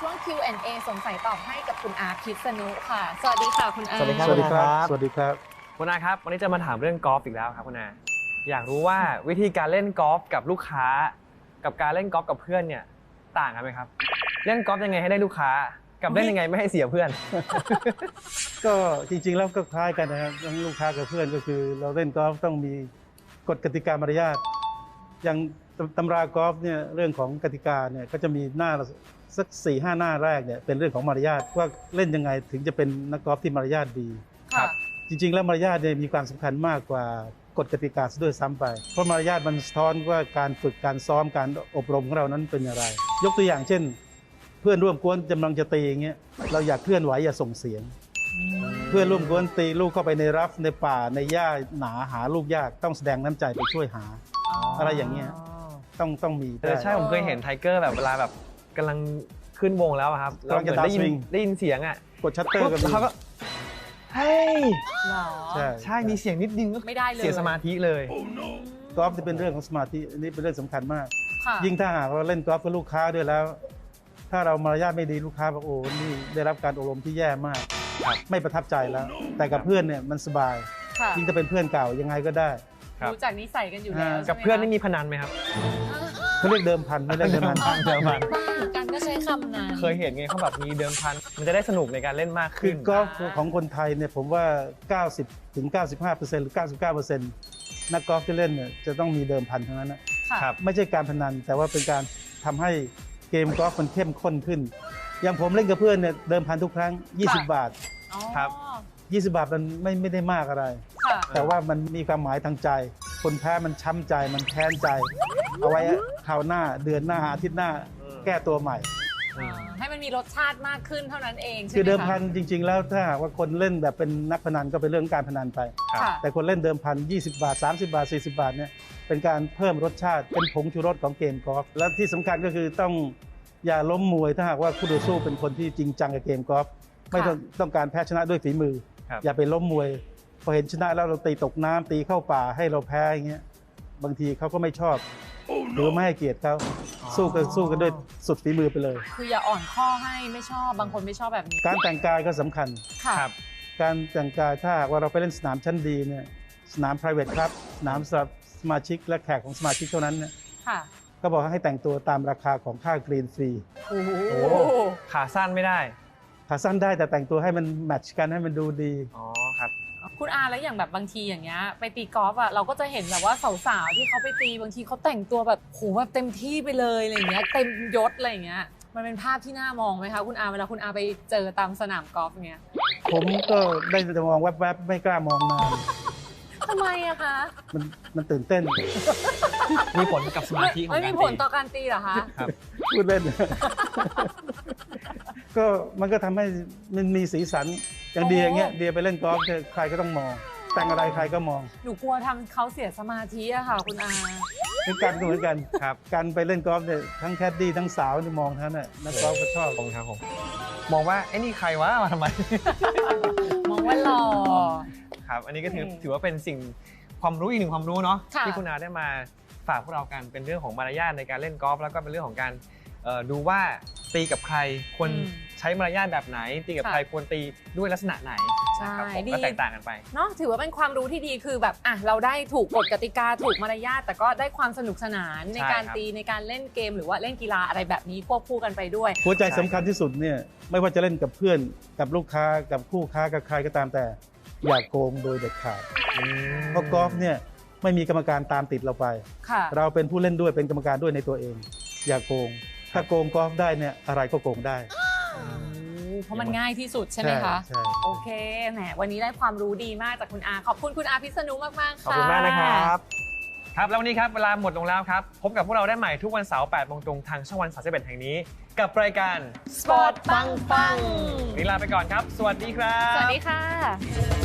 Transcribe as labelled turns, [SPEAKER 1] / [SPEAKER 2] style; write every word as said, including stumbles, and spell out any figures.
[SPEAKER 1] ช่วง คิว แอนด์ เอ สงสัยตอบให้กับคุณอาพิษณุค่ะสวัสดีค่ะคุณอา
[SPEAKER 2] สวัสดีครับ
[SPEAKER 3] สวัสดีครับสวัสดีครับ
[SPEAKER 2] คุณอาครับวันนี้จะมาถามเรื่องกอล์ฟอีกแล้วครับคุณอาอยากรู้ว่าวิธีการเล่นกอล์ฟกับลูกค้ากับการเล่นกอล์ฟกับเพื่อนเนี่ยต่างกันไหมครับเล่นกอล์ฟยังไงให้ได้ลูกค้ากับเล่นยังไงไม่ให้เสียเพื่อน
[SPEAKER 3] ก็จริงๆแล้วก็คล้ายกันนะครับทั้งลูกค้ากับเพื่อนก็คือ เราเล่นกอล์ฟต้องมีกฎกติกามารยาทอย่างตำรากอล์ฟเนี่ยเรื่องของกติกาเนี่ยก็จะมีหน้าสักสี่ห้าหน้าแรกเนี่ยเป็นเรื่องของมารยาทว่าเล่นยังไงถึงจะเป็นนักกอล์ฟที่มารยาทดี
[SPEAKER 1] ค่ะ
[SPEAKER 3] จริงๆแล้วมารยาทเนี่ยมีความสำคัญมากกว่ากฎกติกาซะด้วยซ้ำไปเพราะมารยาทมันสะท้อนว่าการฝึกการซ้อมการอบรมของเรานั้นเป็นอย่างไรยกตัวอย่างเช่นเพื่อนร่วมกวนกำลังจะตีอย่างเงี้ยเราอยากเคลื่อนไหวอย่าส่งเสียงเพื่อนร่วมกวนตีลูกเข้าไปในรัฟในป่าในหญ้าหนาหาลูกยากต้องแสดงน้ำใจไปช่วยหา อะไรอย่างเงี้ยต้องต้องมี
[SPEAKER 2] เออใช่ผมเคยเห็นไทเกอร์แบบเวลาแบบกำลังขึ้นวงแล้วอะครับ
[SPEAKER 3] กำลังจะ
[SPEAKER 2] ได้ยิ
[SPEAKER 3] ดาวน์สวิง
[SPEAKER 2] ได้ยินเสียงอ่ะ
[SPEAKER 3] กดชัตเตอร์กัน
[SPEAKER 2] เขาก็เฮ้ย
[SPEAKER 1] หรอ
[SPEAKER 3] ใช่
[SPEAKER 2] ใช่มีเสียงนิดนึงก็
[SPEAKER 1] ไม่ได้เลย
[SPEAKER 2] เสียสมาธิเลย
[SPEAKER 3] กอล์ฟจะเป็นเรื่องของสมาธิอันนี้เป็นเรื่องสำคัญมาก
[SPEAKER 1] ค่ะ
[SPEAKER 3] ยิ่งถ้าหากเราเล่นกอล์ฟกับลูกค้าด้วยแล้ว ถ้าเรามารยาทไม่ดีลูกค้าบอกโอ้นี่ได้รับการอบรมที่แย่มาก
[SPEAKER 2] ครับ
[SPEAKER 3] ไม่ประทับใจแล้ว แต่กับเพื่อนเนี่ยมันสบาย
[SPEAKER 1] ค่ะ
[SPEAKER 3] ยิ่งถ้าเป็นเพื่อนเก่ายังไงก็ได้
[SPEAKER 2] ครับ
[SPEAKER 1] รู้จักนิสัยกันอยู่แล้ว
[SPEAKER 3] อ่า
[SPEAKER 1] ใช่ไหม
[SPEAKER 2] กับเพื่อนนี่มีพนันไหมครับ
[SPEAKER 3] เขาเรียกเดิมพันไม่เรียกเดิมพัน
[SPEAKER 2] เดิมพัน
[SPEAKER 1] บ้างกันก็ใช้คำนั้น
[SPEAKER 2] เคยเห็นไงเขาแบบมีเดิมพันมันจะได้สนุกในการเล่นมาก
[SPEAKER 3] คื
[SPEAKER 2] ขึ้
[SPEAKER 3] อน กอล์ฟของคนไทยเนี่ยผมว่า เก้าสิบถึงเก้าสิบห้าเปอร์เซ็นต์ หรือ เก้าสิบเก้าเปอร์เซ็นต์ นักกอล์ฟที่เล่นเนี่ยจะต้องมีเดิมพันทั้งนั้นนะ
[SPEAKER 1] ค่ะ
[SPEAKER 2] ครับ
[SPEAKER 3] ไม่ใช่การพนันแต่ว่าเป็นการทำให้เกมกอล์ฟมันเข้มข้นขึ้น อย่างผมเล่นกับเพื่อนเนี่ยเดิมพันทุกครั้ง ยี่สิบ บาท
[SPEAKER 1] อ๋อ
[SPEAKER 2] ครับ
[SPEAKER 3] ยี่สิบ บาทมันไม่ไม่ได้มากอะไร
[SPEAKER 1] ค่ะ
[SPEAKER 3] แต่ว่ามันมีความหมายทางใจ คนแพ้มันช้ำใจมันแค้นใจ เอาไว้คราวหน้าเดือนหน้าอาทิตย์หน้าแก้ตัวใหม่
[SPEAKER 1] อ่าให้มันมีรสชาติมากขึ้นเท่านั้นเองใช่ไหม
[SPEAKER 3] คือเดิม
[SPEAKER 1] คะ
[SPEAKER 3] พันจริง ๆ แล้วถ้าหากว่าคนเล่นแบบเป็นนักพนันก็เป็นเรื่องการพนันไป
[SPEAKER 1] ค่ะ
[SPEAKER 3] แต่คนเล่นเดิมพันยี่สิบบาท สามสิบบาท สี่สิบบาทเนี่ยเป็นการเพิ่มรสชาติเป็นผงชูรสของเกมกอล์ฟและที่สำคัญก็คือต้องอย่าล้มมวยถ้าหากว่าคู่ต่อสู้เป็นคนที่จริงจังกับเกมกอล์ฟไม่ต้องต้องการแพ้ชนะด้วยฝีมือ
[SPEAKER 2] ครับ
[SPEAKER 3] อย่าไปล้มมวยพอเห็นชนะแล้วเราตีตกน้ำตีเข้าป่าให้เราแพ้อย่างเงี้ยบางทีเขาก็ไม่ชอบหรือไม่ให้เกียรติเขาสู้กันสู้กันด้วยสุดฝีมือไปเลย
[SPEAKER 1] คืออย่าอ่อนข้อให้ไม่ชอบบางคนไม่ชอบแบบนี้
[SPEAKER 3] การแต่งกายก็สำคัญ
[SPEAKER 1] ค่ะ
[SPEAKER 2] ครับ
[SPEAKER 3] การแต่งกายถ้าหากว่าเราไปเล่นสนามชั้นดีเนี่ยสนาม private ครับสนามสำหรับสมาชิกและแขกของสมาชิกเท่านั้นเนี่ย
[SPEAKER 1] ค่ะ
[SPEAKER 3] ก็บอกให้แต่งตัวตามราคาของค่ากรีนฟรี
[SPEAKER 1] โอ้โห
[SPEAKER 2] โอ้ขาสั้นไม่ได้
[SPEAKER 3] ขาสั้นได้แต่แต่งตัวให้มันแมทช์กันให้มันดูดี
[SPEAKER 2] อ๋อครับ
[SPEAKER 1] คุณอาแล้วอย่างแบบบางทีอย่างเงี้ยไปตีกอล์ฟอ่ะเราก็จะเห็นแบบว่าสาวๆที่เขาไปตีบางทีเขาแต่งตัวแบบโหแบบเต็มที่ไปเลยอะไรอย่างเงี้ยเต็มยศอะไรอย่างเงี้ยมันเป็นภาพที่น่ามองไหมคะคุณอาเวลาคุณอาไปเจอตามสนามกอล์ฟเงี้ย
[SPEAKER 3] ผมก็ได้แต่มองแวบๆไม่กล้ามองนาน
[SPEAKER 1] ทำไมอะคะ
[SPEAKER 3] มันมันตื่นเต้น
[SPEAKER 2] มีผลกับสมาธิของ
[SPEAKER 1] ไม่
[SPEAKER 2] การ
[SPEAKER 1] มี
[SPEAKER 2] ตี
[SPEAKER 1] ผลต่อการตีเหรอคะ
[SPEAKER 2] ครับ
[SPEAKER 3] พูดเล่น ก็มันก็ทำให้มันมีสีสันอย่างเดียอย่างเงี้ยเดียไปเล่นกอล์ฟเนี่ยใครก็ต้องมอง แต่งอะไรใครก็มอง
[SPEAKER 1] หนูกลัวทำเขาเสียสมาธิอะค่ะ คุณอา
[SPEAKER 3] คือกันก็เหมือนกัน
[SPEAKER 2] ครับ
[SPEAKER 3] การไปเล่นกอล์ฟเนี่ยทั้งแคดดี้ทั้งสาวนี่มองทั้งนั้นน่ะนักกอล์ฟก็ชอบ
[SPEAKER 2] ผมครับผมมองว่าไอ้นี่ใครวะมาทำไม
[SPEAKER 1] มองว่าหล่อ
[SPEAKER 2] ครับ อันนี้ก็ถือ
[SPEAKER 1] อืม
[SPEAKER 2] ถือว่าเป็นสิ่งความรู้อีกหนึ่งความรู้เนาะ
[SPEAKER 1] ค่ะ
[SPEAKER 2] ที่คุณอาได้มาฝากพวกเรากันเป็นเรื่องของมารยาทในการเล่นกอล์ฟแล้วก็เป็นเรื่องของการเอ่อดูว่าตีกับใครควรใช้มารยาทแบบไหน ตีกับใครควรตีด้วยลักษณะไหน
[SPEAKER 1] ใช่
[SPEAKER 2] นะครับผม
[SPEAKER 1] ดี
[SPEAKER 2] ก็แตกต่างกันไป
[SPEAKER 1] เนาะถือว่าเป็นความรู้ที่ดีคือแบบอ่ะเราได้ถูกกฎกติกาถูกมารยาทแต่ก็ได้ความสนุกสนานใน
[SPEAKER 2] ใช่
[SPEAKER 1] การ
[SPEAKER 2] ครับ
[SPEAKER 1] ตีในการเล่นเกมหรือว่าเล่นกีฬาอะไรแบบนี้ควบคู่กันไปด้วย
[SPEAKER 3] หัวใจสำคัญที่สุดเนี่ยไม่ว่าจะเล่นกับเพื่อนกับลูกค้ากับคู่ค้ากับใครก็ตามแต่ อย่าโกงโดยเด็ดขาด
[SPEAKER 2] อืม
[SPEAKER 3] เพราะกอล์ฟเนี่ยไม่มีกรรมการตามติดเราไป
[SPEAKER 1] ค่ะ
[SPEAKER 3] เราเป็นผู้เล่นด้วยเป็นกรรมการด้วยในตัวเอง อย่าโกง ถ้าโกงกอล์ฟได้เนี่ยอะไรก็โกงได้
[SPEAKER 1] เพราะมันง่ายที่สุดใช่ไหมคะ
[SPEAKER 3] ใช่
[SPEAKER 1] โอเคแหมวันนี้ได้ความรู้ดีมากจากคุณอาขอบคุณคุณอาพิษณุมากๆ
[SPEAKER 2] ขอบ
[SPEAKER 1] ค่ะ
[SPEAKER 2] คุณมากนะครับ ครับแล้ววันนี้ครับเวลาหมดลงแล้วครับ พบกับพวกเราได้ใหม่ทุกวันเสาร์แปดโมงตรงทางช่องวันสามสิบเอ็ดแห่งนี้ กับรายการ
[SPEAKER 1] สปอร์ตปังปัง
[SPEAKER 2] วันนี้ลาไปก่อนครับ สวัสดีครับ
[SPEAKER 1] สวัสดีค่ะ